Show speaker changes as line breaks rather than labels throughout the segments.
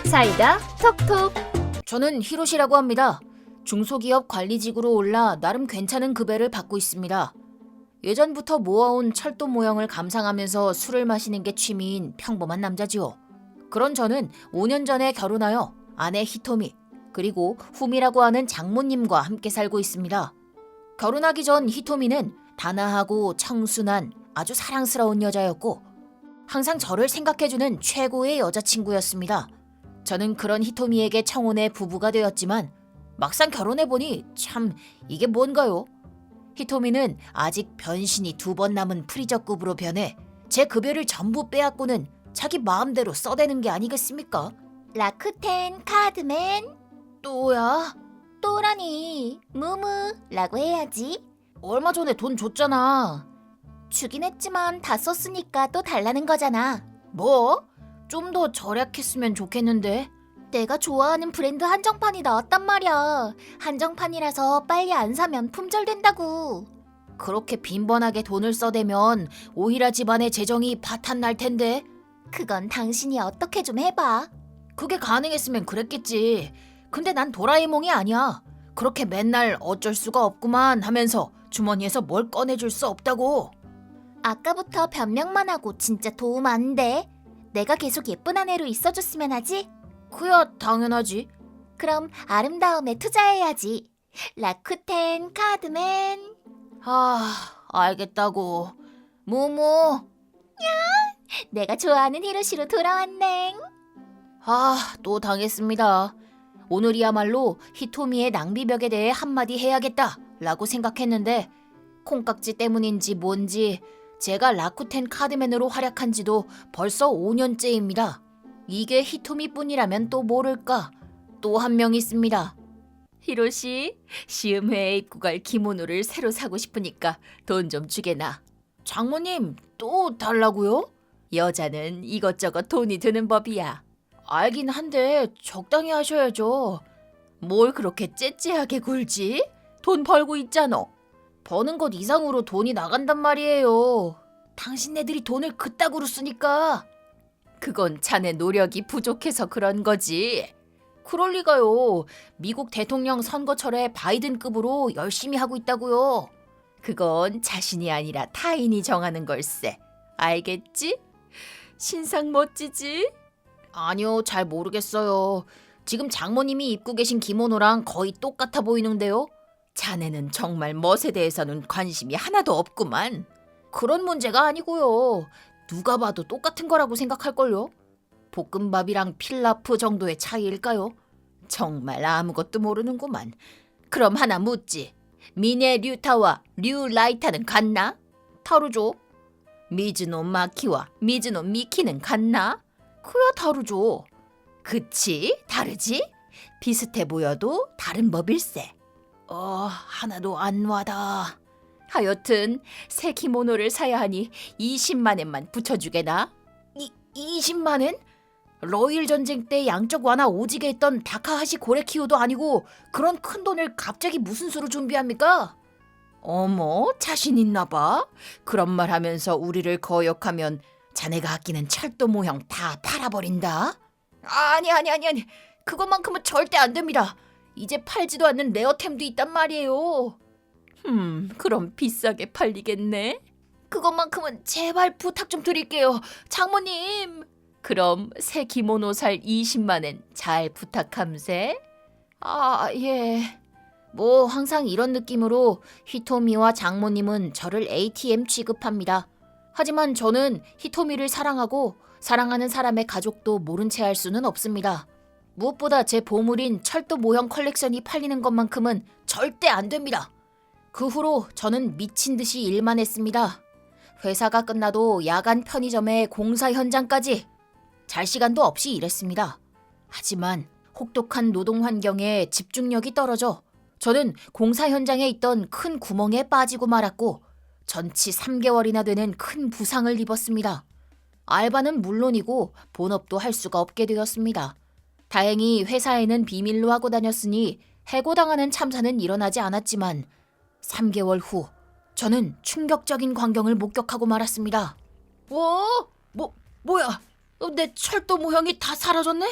사이다 톡톡.
저는 히로시라고 합니다. 중소기업 관리직으로 올라 나름 괜찮은 급여를 받고 있습니다. 예전부터 모아온 철도 모형을 감상하면서 술을 마시는 게 취미인 평범한 남자지요. 그런 저는 5년 전에 결혼하여 아내 히토미 그리고 후미라고 하는 장모님과 함께 살고 있습니다. 결혼하기 전 히토미는 단아하고 청순한 아주 사랑스러운 여자였고 항상 저를 생각해주는 최고의 여자친구였습니다. 저는 그런 히토미에게 청혼해 부부가 되었지만 막상 결혼해보니 참 이게 뭔가요? 히토미는 아직 변신이 2번 남은 프리저급으로 변해 제 급여를 전부 빼앗고는 자기 마음대로 써대는 게 아니겠습니까?
라쿠텐 카드맨.
또야?
또라니 무무라고 해야지.
얼마 전에 돈 줬잖아.
주긴 했지만 다 썼으니까 또 달라는 거잖아.
뭐? 좀 더 절약했으면 좋겠는데.
내가 좋아하는 브랜드 한정판이 나왔단 말이야. 한정판이라서 빨리 안 사면 품절된다고.
그렇게 빈번하게 돈을 써대면 오히려 집안의 재정이 파탄 날 텐데.
그건 당신이 어떻게 좀 해봐.
그게 가능했으면 그랬겠지. 근데 난 도라에몽이 아니야. 그렇게 맨날 어쩔 수가 없구만 하면서 주머니에서 뭘 꺼내줄 수 없다고.
아까부터 변명만 하고 진짜 도움 안 돼. 내가 계속 예쁜 아내로 있어줬으면 하지.
그야 당연하지.
그럼 아름다움에 투자해야지. 라쿠텐 카드맨.
알겠다고. 무무.
내가 좋아하는 히로시로 돌아왔네.
또 당했습니다. 오늘이야말로 히토미의 낭비벽에 대해 한마디 해야겠다 라고 생각했는데 콩깍지 때문인지 뭔지 제가 라쿠텐 카드맨으로 활약한 지도 벌써 5년째입니다. 이게 히토미뿐이라면 또 모를까? 또 한 명 있습니다. 히로시, 시음회에 입고 갈 기모노를 새로 사고 싶으니까 돈 좀 주게나. 장모님, 또 달라고요? 여자는 이것저것 돈이 드는 법이야. 알긴 한데 적당히 하셔야죠. 뭘 그렇게 째째하게 굴지? 돈 벌고 있잖아. 버는 것 이상으로 돈이 나간단 말이에요. 당신네들이 돈을 그따구로 쓰니까. 그건 자네 노력이 부족해서 그런 거지. 그럴 리가요. 미국 대통령 선거철에 바이든급으로 열심히 하고 있다고요. 그건 자신이 아니라 타인이 정하는 걸세. 알겠지? 신상 멋지지? 아니요, 잘 모르겠어요. 지금 장모님이 입고 계신 기모노랑 거의 똑같아 보이는데요. 자네는 정말 멋에 대해서는 관심이 하나도 없구만. 그런 문제가 아니고요. 누가 봐도 똑같은 거라고 생각할걸요. 볶음밥이랑 필라프 정도의 차이일까요? 정말 아무것도 모르는구만. 그럼 하나 묻지. 미네 류타와 류 라이타는 같나? 다르죠. 미즈노 마키와 미즈노 미키는 같나? 그야 다르죠. 그치? 다르지? 비슷해 보여도 다른 법일세. 하나도 안 와다. 하여튼 새 기모노를 사야 하니 20만 엔만 붙여주게나? 20만 엔? 러일 전쟁 때 양적 완화 오지게 했던 다카하시 고레키오도 아니고 그런 큰 돈을 갑자기 무슨 수로 준비합니까? 어머, 자신 있나 봐. 그런 말 하면서 우리를 거역하면 자네가 아끼는 철도 모형 다 팔아버린다. 아니. 그것만큼은 절대 안 됩니다. 이제 팔지도 않는 레어템도 있단 말이에요. 그럼 비싸게 팔리겠네. 그것만큼은 제발 부탁 좀 드릴게요. 장모님. 그럼 새 기모노 살 20만 엔 잘 부탁함세. 예. 뭐 항상 이런 느낌으로 히토미와 장모님은 저를 ATM 취급합니다. 하지만 저는 히토미를 사랑하고 사랑하는 사람의 가족도 모른 채 할 수는 없습니다. 무엇보다 제 보물인 철도 모형 컬렉션이 팔리는 것만큼은 절대 안 됩니다. 그 후로 저는 미친 듯이 일만 했습니다. 회사가 끝나도 야간 편의점에 공사 현장까지 잘 시간도 없이 일했습니다. 하지만 혹독한 노동 환경에 집중력이 떨어져 저는 공사 현장에 있던 큰 구멍에 빠지고 말았고 전치 3개월이나 되는 큰 부상을 입었습니다. 알바는 물론이고 본업도 할 수가 없게 되었습니다. 다행히 회사에는 비밀로 하고 다녔으니 해고당하는 참사는 일어나지 않았지만 3개월 후 저는 충격적인 광경을 목격하고 말았습니다. 뭐야? 내 철도 모형이 다 사라졌네?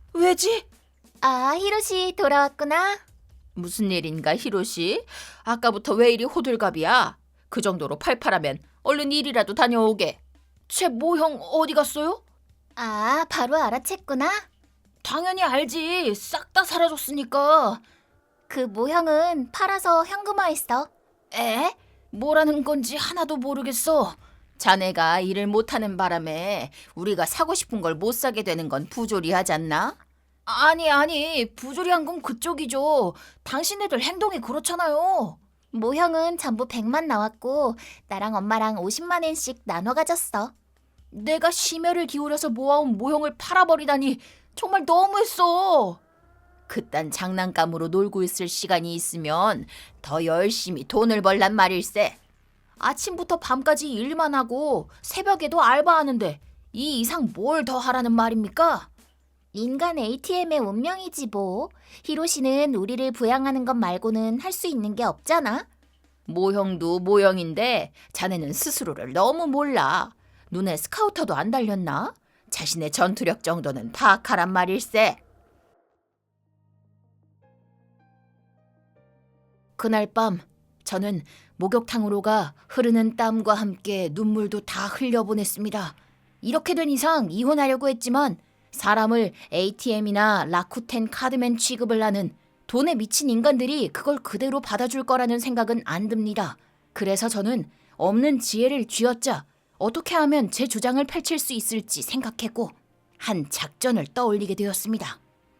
왜지?
아, 히로시 돌아왔구나.
무슨 일인가, 히로시? 아까부터 왜 이리 호들갑이야? 그 정도로 팔팔하면 얼른 일이라도 다녀오게. 쟤 모형 어디 갔어요?
아, 바로 알아챘구나.
당연히 알지. 싹 다 사라졌으니까.
그 모형은 팔아서 현금화했어.
에? 뭐라는 건지 하나도 모르겠어. 자네가 일을 못하는 바람에 우리가 사고 싶은 걸 못 사게 되는 건 부조리하지 않나? 아니, 부조리한 건 그쪽이죠. 당신네들 행동이 그렇잖아요.
모형은 전부 100만 나왔고 나랑 엄마랑 50만 엔씩 나눠 가졌어.
내가 심혈을 기울여서 모아온 모형을 팔아버리다니 정말 너무했어. 그딴 장난감으로 놀고 있을 시간이 있으면 더 열심히 돈을 벌란 말일세. 아침부터 밤까지 일만 하고 새벽에도 알바하는데 이 이상 뭘 더 하라는 말입니까?
인간 ATM의 운명이지 뭐. 히로시는 우리를 부양하는 것 말고는 할 수 있는 게 없잖아.
모형도 모형인데 자네는 스스로를 너무 몰라. 눈에 스카우터도 안 달렸나? 자신의 전투력 정도는 파악하란 말일세. 그날 밤 저는 목욕탕으로 가 흐르는 땀과 함께 눈물도 다 흘려보냈습니다. 이렇게 된 이상 이혼하려고 했지만 사람을 ATM이나 라쿠텐 카드맨 취급을 하는 돈에 미친 인간들이 그걸 그대로 받아줄 거라는 생각은 안 듭니다. 그래서 저는 없는 지혜를 쥐어짜 어떻게 하면 제 주장을 펼칠 수 있을지 생각했고 한 작전을 떠올리게 되었습니다.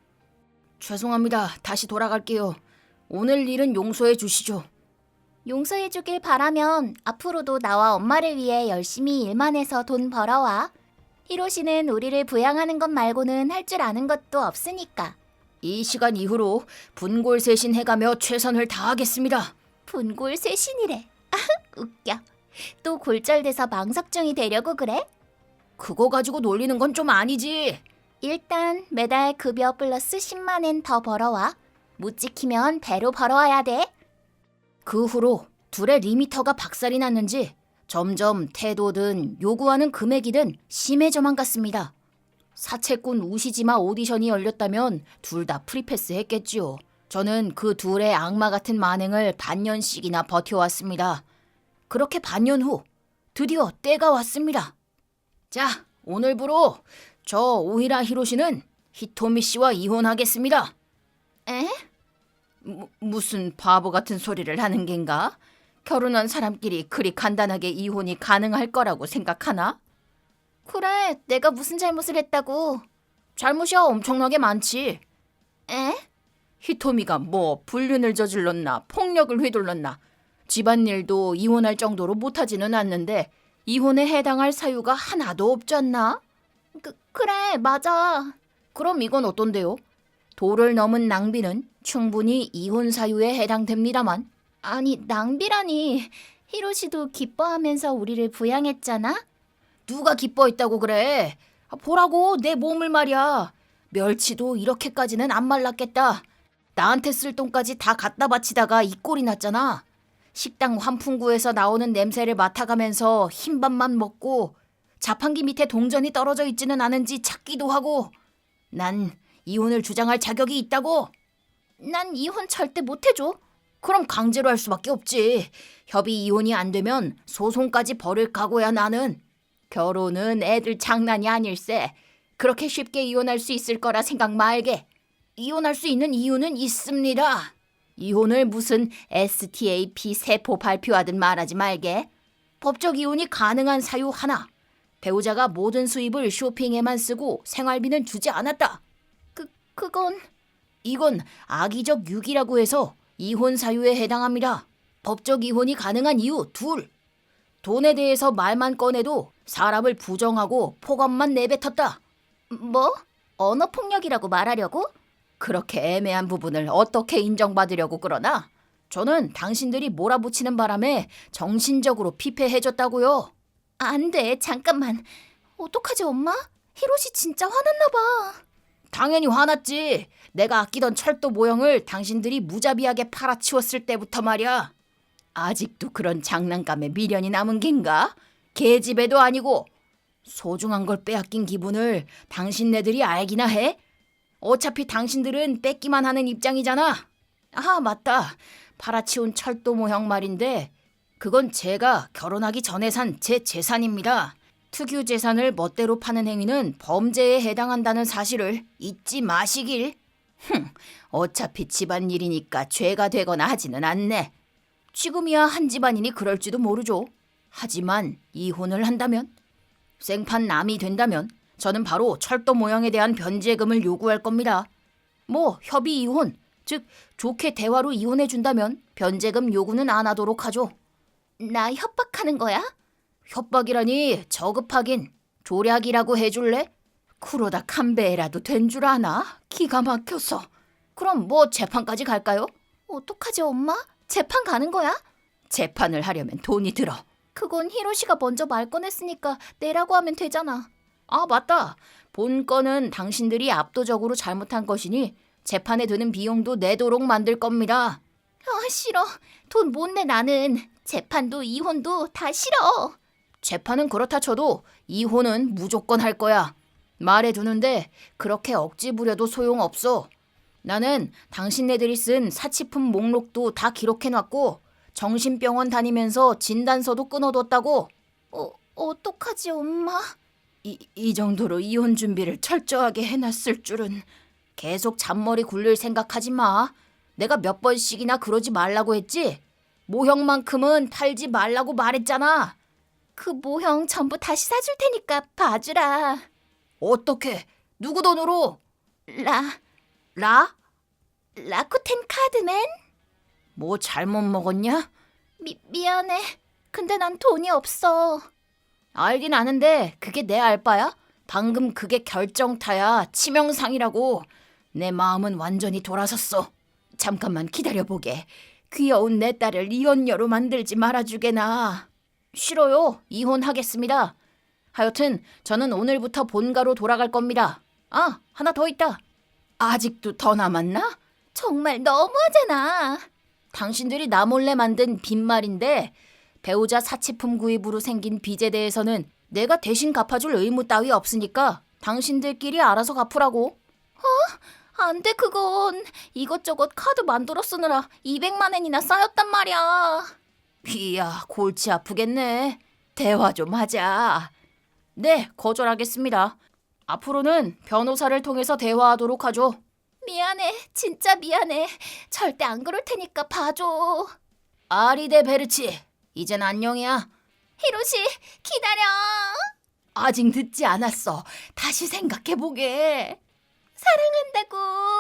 죄송합니다. 다시 돌아갈게요. 오늘 일은 용서해 주시죠.
용서해주길 바라면 앞으로도 나와 엄마를 위해 열심히 일만 해서 돈 벌어와. 히로시는 우리를 부양하는 것 말고는 할 줄 아는 것도 없으니까.
이 시간 이후로 분골쇄신 해가며 최선을 다하겠습니다.
분골쇄신이래. 웃겨. 또 골절돼서 망석증이 되려고 그래?
그거 가지고 놀리는 건 좀 아니지.
일단 매달 급여 플러스 10만 엔 더 벌어와. 못 지키면 배로 벌어와야 돼.
그 후로 둘의 리미터가 박살이 났는지 점점 태도든 요구하는 금액이든 심해져만 갔습니다. 사채꾼 우시지마 오디션이 열렸다면 둘 다 프리패스 했겠지요. 저는 그 둘의 악마 같은 만행을 반년씩이나 버텨왔습니다. 그렇게 반년 후 드디어 때가 왔습니다. 자, 오늘부로 저 오히라 히로시는 히토미 씨와 이혼하겠습니다.
에?
무슨 바보 같은 소리를 하는 겐가? 결혼한 사람끼리 그리 간단하게 이혼이 가능할 거라고 생각하나?
그래, 내가 무슨 잘못을 했다고.
잘못이야 엄청나게 많지.
에?
히토미가 뭐 불륜을 저질렀나 폭력을 휘둘렀나 집안일도 이혼할 정도로 못하지는 않는데 이혼에 해당할 사유가 하나도 없지 않나?
그래, 맞아.
그럼 이건 어떤데요? 도를 넘은 낭비는 충분히 이혼 사유에 해당됩니다만.
아니, 낭비라니. 히로시도 기뻐하면서 우리를 부양했잖아?
누가 기뻐했다고 그래? 보라고 내 몸을 말이야. 멸치도 이렇게까지는 안 말랐겠다. 나한테 쓸 돈까지 다 갖다 바치다가 이 꼴이 났잖아. 식당 환풍구에서 나오는 냄새를 맡아가면서 흰밥만 먹고 자판기 밑에 동전이 떨어져 있지는 않은지 찾기도 하고. 난 이혼을 주장할 자격이 있다고.
난 이혼 절대 못 해줘.
그럼 강제로 할 수밖에 없지. 협의 이혼이 안 되면 소송까지 벌일 각오야 나는. 결혼은 애들 장난이 아닐세. 그렇게 쉽게 이혼할 수 있을 거라 생각 말게. 이혼할 수 있는 이유는 있습니다. 이혼을 무슨 STAP 세포 발표하듯 말하지 말게. 법적 이혼이 가능한 사유 하나. 배우자가 모든 수입을 쇼핑에만 쓰고 생활비는 주지 않았다.
그건
이건 악의적 유기라고 해서 이혼 사유에 해당합니다. 법적 이혼이 가능한 이유 둘. 돈에 대해서 말만 꺼내도 사람을 부정하고 폭언만 내뱉었다.
뭐? 언어폭력이라고 말하려고?
그렇게 애매한 부분을 어떻게 인정받으려고 그러나? 저는 당신들이 몰아붙이는 바람에 정신적으로 피폐해졌다고요.
안 돼, 잠깐만. 어떡하지, 엄마? 히로시 진짜 화났나 봐.
당연히 화났지. 내가 아끼던 철도 모형을 당신들이 무자비하게 팔아치웠을 때부터 말이야. 아직도 그런 장난감에 미련이 남은 겐가? 계집애도 아니고. 소중한 걸 빼앗긴 기분을 당신네들이 알기나 해? 어차피 당신들은 뺏기만 하는 입장이잖아. 아, 맞다. 팔아치운 철도 모형 말인데 그건 제가 결혼하기 전에 산 제 재산입니다. 특유 재산을 멋대로 파는 행위는 범죄에 해당한다는 사실을 잊지 마시길. 어차피 집안일이니까 죄가 되거나 하지는 않네. 지금이야 한 집안이니 그럴지도 모르죠. 하지만 이혼을 한다면, 생판 남이 된다면 저는 바로 철도 모형에 대한 변제금을 요구할 겁니다. 뭐 협의 이혼, 즉 좋게 대화로 이혼해 준다면 변제금 요구는 안 하도록 하죠.
나 협박하는 거야?
협박이라니 저급하긴. 조략이라고 해줄래? 그러다 칸베라도 된 줄 아나? 기가 막혀서. 그럼 뭐 재판까지 갈까요?
어떡하지, 엄마? 재판 가는 거야?
재판을 하려면 돈이 들어.
그건 히로시가 먼저 말 꺼냈으니까 내라고 하면 되잖아.
아, 맞다. 본 건은 당신들이 압도적으로 잘못한 것이니 재판에 드는 비용도 내도록 만들 겁니다.
아, 싫어. 돈 못 내, 나는. 재판도 이혼도 다 싫어.
재판은 그렇다 쳐도 이혼은 무조건 할 거야. 말해두는데 그렇게 억지 부려도 소용없어. 나는 당신네들이 쓴 사치품 목록도 다 기록해놨고 정신병원 다니면서 진단서도 끊어뒀다고.
어떡하지, 엄마?
이 정도로 이혼 준비를 철저하게 해놨을 줄은. 계속 잔머리 굴릴 생각하지 마. 내가 몇 번씩이나 그러지 말라고 했지? 모형만큼은 팔지 말라고 말했잖아.
그 모형 전부 다시 사줄 테니까 봐주라.
어떻게? 누구 돈으로? 라?
라쿠텐 카드맨?
뭐 잘못 먹었냐?
미안해. 근데 난 돈이 없어.
알긴 아는데 그게 내 알바야? 방금 그게 결정타야. 치명상이라고. 내 마음은 완전히 돌아섰어. 잠깐만 기다려보게. 귀여운 내 딸을 이혼녀로 만들지 말아주게나. 싫어요. 이혼하겠습니다. 하여튼 저는 오늘부터 본가로 돌아갈 겁니다. 아, 하나 더 있다. 아직도 더 남았나?
정말 너무하잖아.
당신들이 나 몰래 만든 빈말인데 배우자 사치품 구입으로 생긴 빚에 대해서는 내가 대신 갚아줄 의무 따위 없으니까 당신들끼리 알아서 갚으라고.
안 돼, 그건. 이것저것 카드 만들어 쓰느라 200만 엔이나 쌓였단 말이야.
이야, 골치 아프겠네. 대화 좀 하자. 네, 거절하겠습니다. 앞으로는 변호사를 통해서 대화하도록 하죠.
미안해. 진짜 미안해. 절대 안 그럴 테니까 봐줘.
아리데 베르치, 이젠 안녕이야.
히로시, 기다려.
아직 늦지 않았어. 다시 생각해보게.
사랑한다고.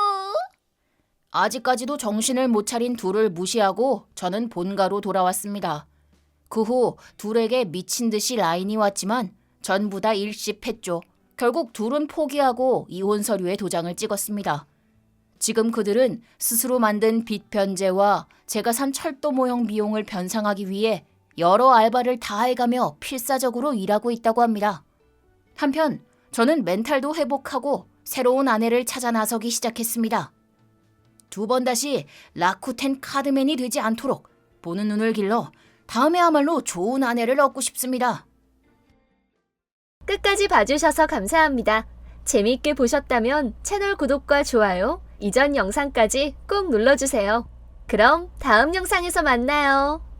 아직까지도 정신을 못 차린 둘을 무시하고 저는 본가로 돌아왔습니다. 그 후 둘에게 미친 듯이 라인이 왔지만 전부 다 일십했죠. 결국 둘은 포기하고 이혼 서류에 도장을 찍었습니다. 지금 그들은 스스로 만든 빚 변제와 제가 산 철도 모형 비용을 변상하기 위해 여러 알바를 다 해가며 필사적으로 일하고 있다고 합니다. 한편 저는 멘탈도 회복하고 새로운 아내를 찾아 나서기 시작했습니다. 두 번 다시 라쿠텐 카드맨이 되지 않도록 보는 눈을 길러 다음에야말로 좋은 아내를 얻고 싶습니다.
끝까지 봐주셔서 감사합니다. 재미있게 보셨다면 채널 구독과 좋아요, 이전 영상까지 꼭 눌러주세요. 그럼 다음 영상에서 만나요.